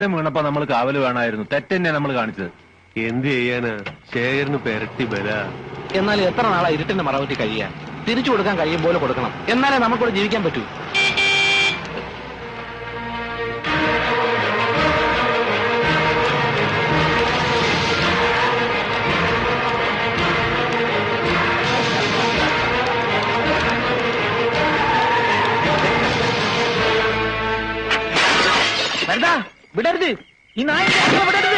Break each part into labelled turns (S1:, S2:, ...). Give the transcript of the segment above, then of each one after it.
S1: വീണപ്പോ നമ്മൾ കാവല് വേണമായിരുന്നു. തെറ്റന്നെ നമ്മൾ കാണിച്ചത്.
S2: എന്ത് ചെയ്യാന്? ശേഖരന് പെരട്ടി ബല.
S3: എന്നാൽ എത്ര നാളാ ഇരുട്ടിന്റെ മറവറ്റി കഴിയാൻ? തിരിച്ചു കൊടുക്കാൻ കഴിയും പോലെ കൊടുക്കണം, എന്നാലേ നമുക്കിവിടെ ജീവിക്കാൻ പറ്റൂ. വിടരുത്, ഈ നായ വിടരുത്.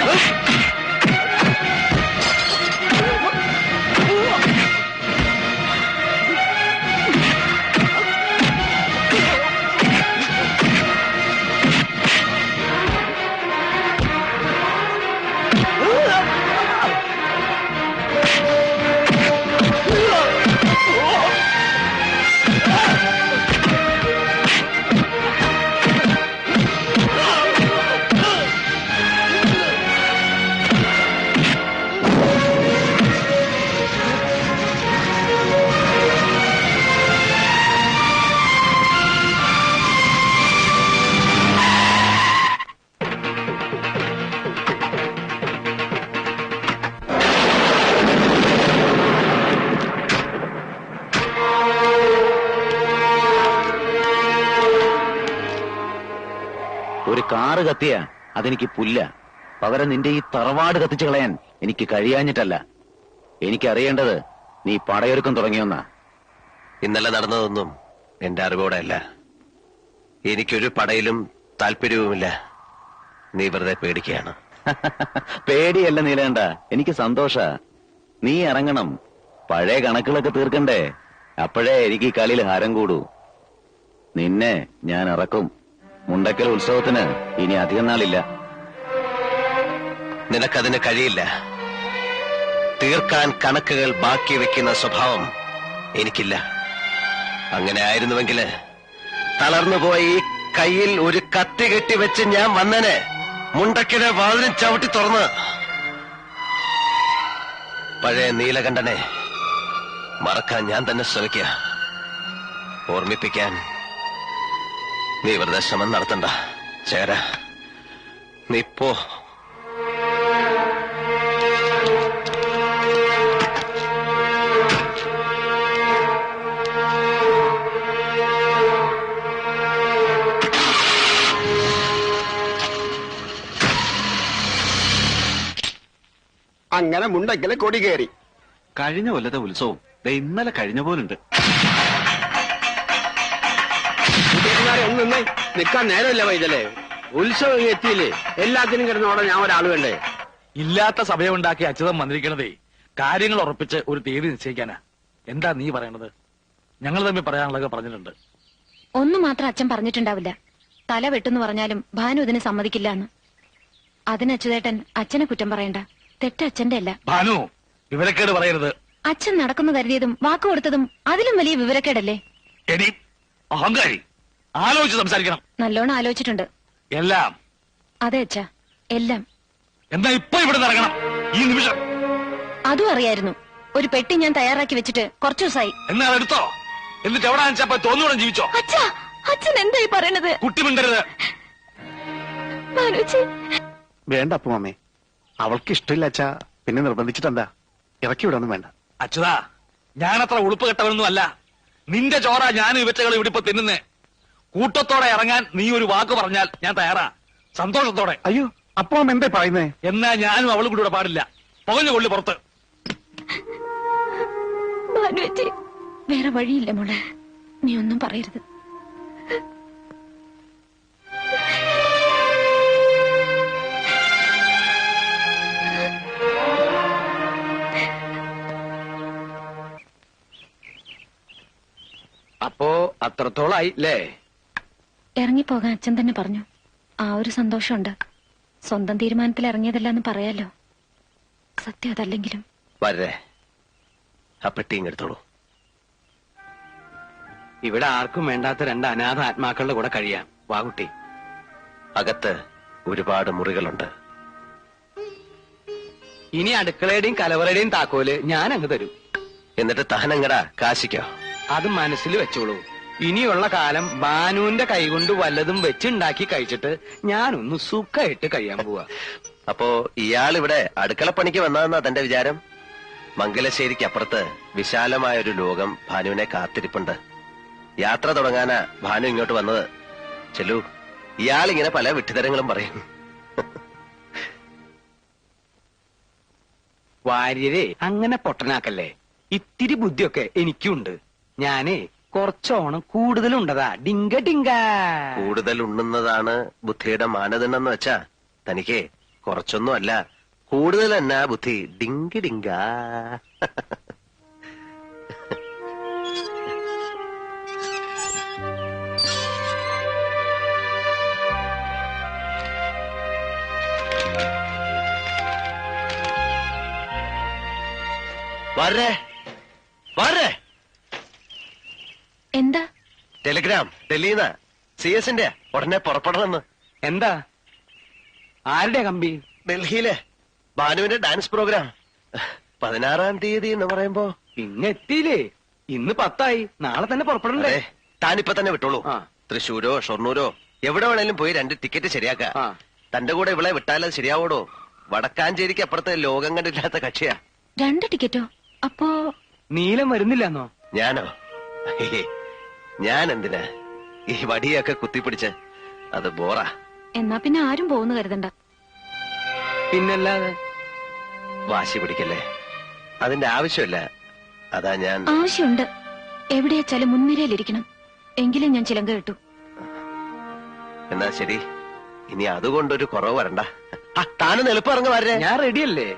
S4: ഒരു കാറ് കത്തിയ അതെനിക്ക് പുല്ല. പകരം നിന്റെ ഈ തറവാട് കത്തിച്ചു കളയാൻ എനിക്ക് കഴിയാഞ്ഞിട്ടല്ല. എനിക്കറിയേണ്ടത് നീ പടയൊരുക്കം തുടങ്ങിയൊന്നാ.
S5: ഇന്നലെ നടന്നതൊന്നും എന്റെ അറിവോടെ അല്ല. എനിക്കൊരു പടയിലും താല്പര്യവുമില്ല. നീ വെറുതെ പേടിക്കുകയാണ്.
S4: പേടിയല്ല നീലേണ്ട, എനിക്ക് സന്തോഷ. നീ ഇറങ്ങണം, പഴയ കണക്കുകളൊക്കെ തീർക്കണ്ടേ. അപ്പോഴേ എനിക്ക് ഈ കളിയിൽ ഹാരം കൂടൂ. നിന്നെ ഞാൻ ഇറക്കും. മുണ്ടക്കൽ ഉത്സവത്തിന് ഇനി അധികം നാളില്ല.
S5: നിനക്കതിന് കഴിയില്ല. തീർക്കാൻ കണക്കുകൾ ബാക്കി വെക്കുന്ന സ്വഭാവം എനിക്കില്ല. അങ്ങനെ ആയിരുന്നുവെങ്കിൽ തളർന്നുപോയി കയ്യിൽ ഒരു കത്തി കെട്ടിവെച്ച് ഞാൻ വന്നനെ മുണ്ടക്കലെ വാതിലും ചവിട്ടി തുറന്ന് പഴയ നീലകണ്ഠനെ മറക്കാൻ ഞാൻ തന്നെ ശ്രമിക്കുക. ഓർമ്മിപ്പിക്കാൻ നീ വെറുതെ ശ്രമം നടത്തണ്ട. ചേര, നീ പോ.
S6: അങ്ങനെ മുണ്ടക്കലെ കൊടി കയറി.
S7: കഴിഞ്ഞ കൊല്ലത്തെ ഉത്സവം ഇന്നലെ കഴിഞ്ഞ പോലുണ്ട്.
S6: ഒന്ന് നിന്നേ, നിക്കാൻ നേരമില്ല വൈതലേ. ഉത്സവം എത്തിയില്ലേ, എല്ലാത്തിനും കിടന്നോടെ ഞാൻ ഒരാൾ വേണ്ടേ?
S3: ഇല്ലാത്ത സഭയുണ്ടാക്കി അച്യുതം വന്നിരിക്കണതേ കാര്യങ്ങൾ ഉറപ്പിച്ച് ഒരു തീയതി നിശ്ചയിക്കാനാ. എന്താ നീ പറയണത്? ഞങ്ങൾ തമ്മിൽ പറയാനുള്ളതൊക്കെ പറഞ്ഞിട്ടുണ്ട്.
S8: ഒന്നു മാത്രം അച്ഛൻ പറഞ്ഞിട്ടുണ്ടാവില്ല. തല വെട്ടെന്ന് പറഞ്ഞാലും ഭാനു ഇതിന് സമ്മതിക്കില്ല എന്ന്. അതിന് അച്യുതേട്ടൻ അച്ഛനെ കുറ്റം പറയണ്ട. തെറ്റ് അച്ഛന്റെ അല്ല.
S3: ഭാനു, വിവരക്കേട് പറയരുത്.
S8: അച്ഛൻ നടക്കുന്നു കരുതിയതും വാക്ക് കൊടുത്തതും അതിലും വലിയ വിവരക്കേടല്ലേ?
S3: എടി അഹങ്കാരി, ആലോചിച്ച് സംസാരിക്കണം.
S8: നല്ലോണം ആലോചിച്ചിട്ടുണ്ട്.
S3: എല്ലാം.
S8: അതെ അച്ഛാ, എല്ലാം.
S3: എന്താ ഇപ്പൊ ഇവിടെ ഇറങ്ങണം ഈ നിമിഷം?
S8: അതും അറിയായിരുന്നു. ഒരു പെട്ടി ഞാൻ തയ്യാറാക്കി വെച്ചിട്ട് കുറച്ചു ദിവസമായി.
S3: എന്നാ എടുത്തോ, എന്നിട്ട് എവിടെ വെച്ചപ്പോ തോന്നുകൂടെ ജീവിച്ചോ.
S8: അച്ഛാ, അച്ഛൻ എന്തായി പറയണത്?
S3: കുട്ടി മിണ്ടരുത്.
S6: വേണ്ട അപ്പുമാമേ, അവൾക്ക് ഇഷ്ടമില്ല അച്ഛാ. പിന്നെ നിർബന്ധിച്ചിട്ടെന്താ? ഇറക്കി വിടൊന്നും വേണ്ട.
S3: അച്യുതാ, ഞാനത്ര ഉളുപ്പ് കെട്ടവനൊന്നും അല്ല. നിന്റെ ചോറ ഞാനും ഇവറ്റകൾ ഇവിടെ ഇപ്പൊ തിന്നുന്നേ. കൂട്ടത്തോടെ ഇറങ്ങാൻ നീ ഒരു വാക്ക് പറഞ്ഞാൽ ഞാൻ തയ്യാറാ, സന്തോഷത്തോടെ.
S6: അയ്യോ, അപ്പുമാമ എന്താ പറയുന്നേ?
S3: എന്നാ ഞാനും അവളും കൂടെ പാടില്ല. പുകഞ്ഞു കൊള്ളി പുറത്ത്.
S8: വേറെ വഴിയില്ല മോളെ, നീ ഒന്നും പറയരുത്.
S6: അപ്പോ അത്രത്തോളായില്ലേ?
S8: ഇറങ്ങിപ്പോകാൻ അച്ഛൻ തന്നെ പറഞ്ഞു. ആ ഒരു സന്തോഷമുണ്ട്. സ്വന്തം തീരുമാനത്തിൽ ഇറങ്ങിയതല്ല എന്ന് പറയാലോ. സത്യം അതല്ലെങ്കിലും.
S5: വരേ, ആ പെട്ടിയും എടുത്തോളൂ.
S6: ഇവിടെ ആർക്കും വേണ്ടാത്ത രണ്ട് അനാഥ ആത്മാക്കളുടെ കൂടെ കഴിയാം. വാകുട്ടി,
S5: അകത്ത് ഒരുപാട് മുറികളുണ്ട്.
S6: ഇനി അടുക്കളയുടെയും കലവറയുടെയും താക്കോല് ഞാൻ അങ്ങ് തരും.
S5: എന്നിട്ട് തഹനങ്ങടാ കാശിക്കോ.
S6: അത് മനസ്സിൽ വെച്ചോളൂ. ഇനിയുള്ള കാലം ബാനുവിന്റെ കൈകൊണ്ട് വല്ലതും വെച്ചുണ്ടാക്കി കഴിച്ചിട്ട് ഞാനൊന്ന് സുഖമായിട്ട് കഴിയാൻ പോവാ.
S5: അപ്പോ ഇയാൾ ഇവിടെ അടുക്കളപ്പണിക്ക് വന്നതെന്നാ തന്റെ വിചാരം? മംഗലശ്ശേരിക്ക് അപ്പുറത്ത് വിശാലമായ ഒരു ലോകം ഭാനുവിനെ കാത്തിരിപ്പുണ്ട്. യാത്ര തുടങ്ങാനാ ഭാനു ഇങ്ങോട്ട് വന്നത്. ചെല്ലു, ഇയാളിങ്ങനെ പല വിഡ്ഢിതരങ്ങളും പറയും.
S6: വാര്യരെ അങ്ങനെ പൊട്ടനാക്കല്ലേ. ഇത്തിരി ബുദ്ധിയൊക്കെ എനിക്കുണ്ട്. ഞാനേ കുറച്ചോണം കൂടുതലുണ്ടതാ. ഡിങ്ക ഡിങ്ക.
S5: കൂടുതൽ ഉണ്ണുന്നതാണ് ബുദ്ധിയുടെ മാനദണ്ഡം എന്ന് വെച്ചാ തനിക്ക് കുറച്ചൊന്നും അല്ല, കൂടുതൽ തന്നെ ബുദ്ധി. ഡിങ്കി ഡിങ്ക. വരേ വരേ.
S8: എന്താ?
S5: ടെലിഗ്രാം ഡൽഹിന്ന് CS-ന്റെ ഉടനെ പുറപ്പെടണമെന്ന്.
S6: എന്താ? ആരുടെ കമ്പി?
S5: ഡൽഹിയിലെ ഭാനുവിന്റെ ഡാൻസ് പ്രോഗ്രാം 16-ാം തീയതി എന്ന് പറയുമ്പോ
S6: പിന്നെ എത്തിയില്ലേ? ഇന്ന് 10 നാളെ തന്നെ പുറപ്പെടണ്ടേ?
S5: അതെ, താനിപ്പോ തന്നെ വിട്ടോളൂ.
S6: ആ.
S5: തൃശ്ശൂരോ ഷൊർണൂരോ എവിടെ വേണേലും പോയി 2 ടിക്കറ്റ് ശരിയാക്ക.
S6: ആ.
S5: തന്റെ കൂടെ ഇവളെ വിട്ടാലത് ശരിയാവോടോ? വടക്കാഞ്ചേരിക്ക് അപ്പുറത്തെ ലോകം കണ്ടില്ലാത്ത കക്ഷിയാ.
S8: 2 ടിക്കറ്റോ? അപ്പോ
S6: നീലം വരുന്നില്ലെന്നോ?
S5: ഞാനോ? ഞാൻ എന്തിനാ ഈ വടിയൊക്കെ കുത്തിപ്പിടിച്ച്? അത് ബോറാ.
S8: എന്നാ പിന്നെ ആരും പോകുന്നു കരുതണ്ട.
S6: പിന്നല്ലാതെ.
S5: വാശി പിടിക്കല്ലേ, അതിന്റെ ആവശ്യമില്ല. അതാ ഞാൻ.
S8: ആവശ്യമുണ്ട്. എവിടെയാച്ചാലും മുൻനിരയിലിരിക്കണം. എങ്കിലും ഞാൻ ചിലങ്ക കിട്ടു.
S5: എന്നാ ശരി, ഇനി അതുകൊണ്ടൊരു കുറവ് വരണ്ട. താനും എളുപ്പം ഇറങ്ങി വരേ.
S6: ഞാൻ റെഡിയല്ലേ?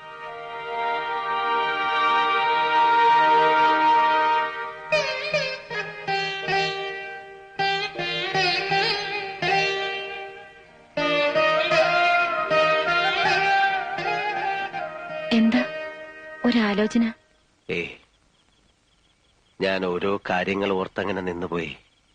S8: എന്താ ഒരാലോചന?
S5: ഞാൻ ഓരോ കാര്യങ്ങൾ ഓർത്തങ്ങനെ നിന്നുപോയി.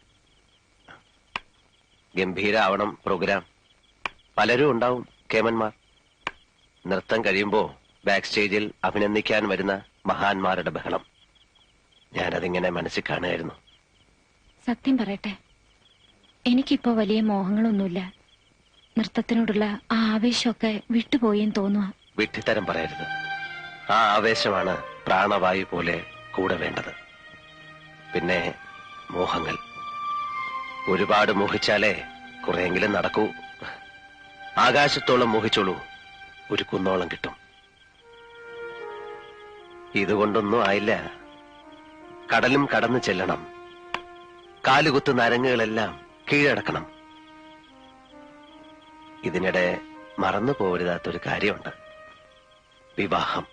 S5: ഗംഭീരാവണം പ്രോഗ്രാം. പലരും ഉണ്ടാവും കേമന്മാർ. നൃത്തം കഴിയുമ്പോ ബാക്ക് സ്റ്റേജിൽ അഭിനന്ദിക്കാൻ വരുന്ന മഹാന്മാരുടെ ബഹളം. ഞാനതിങ്ങനെ മനസ്സിൽ കാണുമായിരുന്നു.
S8: സത്യം പറയട്ടെ, എനിക്കിപ്പോ വലിയ മോഹങ്ങളൊന്നുമില്ല. നൃത്തത്തിനോടുള്ള ആ ആവേശമൊക്കെ വിട്ടുപോയെന്ന് തോന്നുക.
S5: വിഡ്ഢിത്തരം പറയരുത്. ആ ആവേശമാണ് പ്രാണവായു പോലെ കൂടെ വേണ്ടത്. പിന്നെ മോഹങ്ങൾ ഒരുപാട് മോഹിച്ചാലേ കുറെയെങ്കിലും നടക്കൂ. ആകാശത്തോളം മോഹിച്ചോളൂ, ഒരു കുന്നോളം കിട്ടും. ഇതുകൊണ്ടൊന്നും ആയില്ല. കടലും കടന്നു ചെല്ലണം. കാലുകുത്ത് നരങ്ങുകളെല്ലാം കീഴടക്കണം. ഇതിനിടെ മറന്നു പോകരുതാത്തൊരു കാര്യമുണ്ട്. വിവാഹം.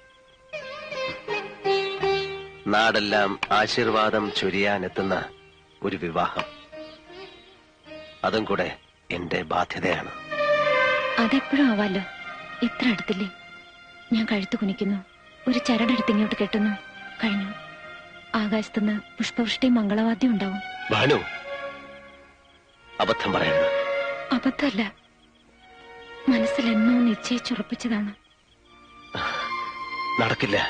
S5: നാടെല്ലാം ആശീർവാദം ചൊരിയാനെത്തുന്ന ഒരു വിവാഹം. അതും കൂടെ എന്റെ ബാധ്യതയാണ്.
S8: അതെപ്പോഴും ആവാലോ. ഇത്ര അടുത്തില്ലേ? ഞാൻ കഴുത്ത് കുനിക്കുന്നു, ഒരു ചരടെടുത്ത് ഇങ്ങോട്ട് കെട്ടുന്നു, കഴിഞ്ഞു. ആകാശത്തുനിന്ന് പുഷ്പവൃഷ്ടി മംഗളവാദ്യം ഉണ്ടാവും.
S5: ഭാനു, അബദ്ധം പറയരുത്.
S8: അബദ്ധമല്ല, മനസ്സിൽ എന്നോ നിശ്ചയിച്ചുറപ്പിച്ചതാണ്.
S5: നടക്കില്ല,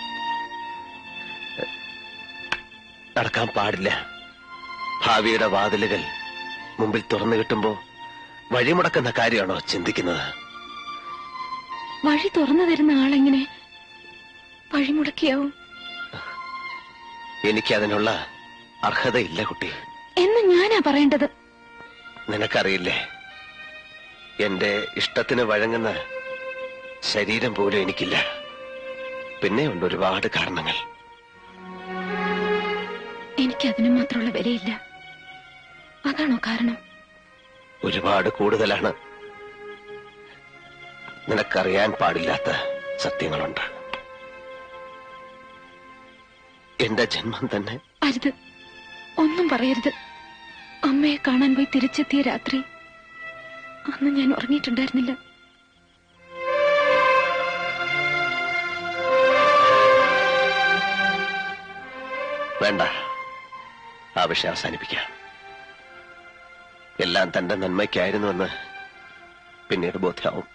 S5: നടക്കാൻ പാടില്ല. ഭാവിയുടെ വാതിലുകൾ മുമ്പിൽ തുറന്നു കിട്ടുമ്പോ വഴിമുടക്കുന്ന കാര്യമാണോ ചിന്തിക്കുന്നത്?
S8: വഴി തുറന്നു തരുന്ന ആളെങ്ങനെ വഴിമുടക്കിയാവും?
S5: എനിക്കതിനുള്ള അർഹതയില്ല കുട്ടി.
S8: എന്ന് ഞാനാ പറയേണ്ടത്.
S5: നിനക്കറിയില്ലേ, എന്റെ ഇഷ്ടത്തിന് വഴങ്ങുന്ന ശരീരം പോലും എനിക്കില്ല. പിന്നെയുണ്ട് ഒരുപാട് കാരണങ്ങൾ.
S8: എനിക്കതിനു മാത്രമുള്ള വിലയില്ല. അതാണോ കാരണം?
S5: ഒരുപാട് കൂടുതലാണ്. നിനക്കറിയാൻ പാടില്ലാത്ത സത്യങ്ങളുണ്ട്. എന്റെ ജന്മം തന്നെ.
S8: അരുത്, ഒന്നും പറയരുത്. അമ്മയെ കാണാൻ പോയി തിരിച്ചെത്തിയ രാത്രി, അന്ന് ഞാൻ ഉറങ്ങിയിട്ടുണ്ടായിരുന്നില്ല.
S5: വേണ്ട, ആ വിഷയം അവസാനിപ്പിക്കാം. എല്ലാം തന്റെ നന്മയ്ക്കായിരുന്നുവെന്ന് പിന്നീട് ബോധ്യമാവും.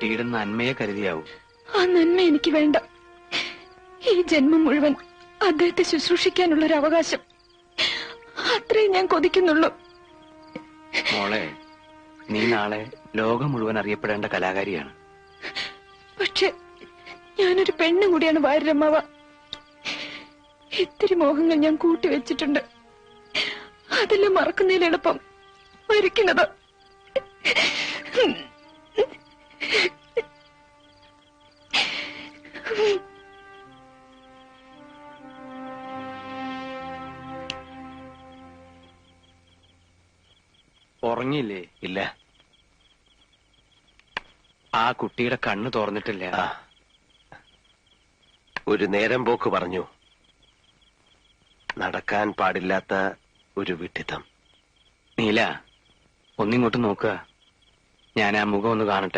S3: കുട്ടിയുടെ നന്മയെ കരുതിയാവും.
S8: ആ നന്മ എനിക്ക് വേണ്ട. ഈ ജന്മം മുഴുവൻ അദ്ദേഹത്തെ ശുശ്രൂഷിക്കാനുള്ള ഒരു അവകാശം, അത്രേ ഞാൻ കൊതിക്കുന്നുള്ളൂ.
S3: മോളെ, നീ നാളെ ലോകം മുഴുവൻ അറിയപ്പെടേണ്ട കലാകാരിയാണ്.
S8: പക്ഷെ ഞാനൊരു പെണ്ണും കൂടിയാണ് വാര്യരമ്മാവ. ഇത്തിരി മോഹങ്ങൾ ഞാൻ കൂട്ടിവെച്ചിട്ടുണ്ട്. അതെല്ലാം മറക്കുന്നതിൽ എളുപ്പം മരിക്കുന്നത്.
S3: ഉറങ്ങിയില്ലേ?
S5: ഇല്ല.
S3: ആ കുട്ടിയുടെ കണ്ണ് തുറന്നിട്ടില്ല.
S5: ഒരു നേരം പോക്ക് പറഞ്ഞു. നടക്കാൻ പാടില്ലാത്ത ഒരു വിഡ്ഢിത്തം.
S3: നീല, ഒന്നിങ്ങോട്ട് നോക്കുക. ഞാൻ ആ മുഖം ഒന്ന് കാണട്ടെ.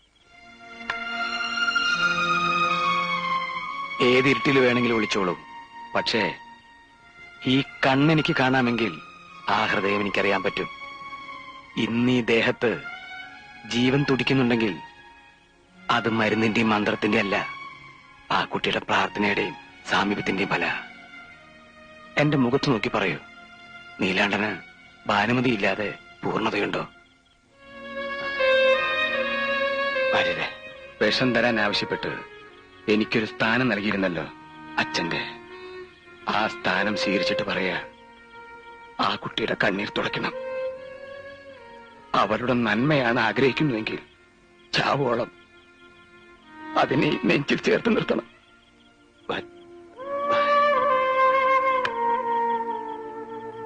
S3: ഏതിരുട്ടിൽ വേണമെങ്കിലും വിളിച്ചോളൂ. പക്ഷേ ഈ കണ്ണെനിക്ക് കാണാമെങ്കിൽ ആ ഹൃദയം എനിക്കറിയാൻ പറ്റും. ഇന്ന് ഈ ദേഹത്ത് ജീവൻ തുടിക്കുന്നുണ്ടെങ്കിൽ അത് മരുന്നിന്റെയും മന്ത്രത്തിന്റെ അല്ല, ആ കുട്ടിയുടെ പ്രാർത്ഥനയുടെയും സാമീപ്യത്തിന്റെയും ഫല. എന്റെ മുഖത്ത് നോക്കി പറയൂ, നീലാണ്ടന് ഭാനുമതി ഇല്ലാതെ പൂർണ്ണതയുണ്ടോ? ഭാര്യരെ, വിഷം തരാൻ ആവശ്യപ്പെട്ട് എനിക്കൊരു സ്ഥാനം നൽകിയിരുന്നല്ലോ അച്ഛന്റെ. ആ സ്ഥാനം സ്വീകരിച്ചിട്ട് പറയാ, ആ കുട്ടിയുടെ കണ്ണീർ തുടയ്ക്കണം. അവരുടെ നന്മയാണ് ആഗ്രഹിക്കുന്നുവെങ്കിൽ ചാവോളം അതിനെ നെഞ്ചിൽ ചേർത്ത് നിർത്തണം.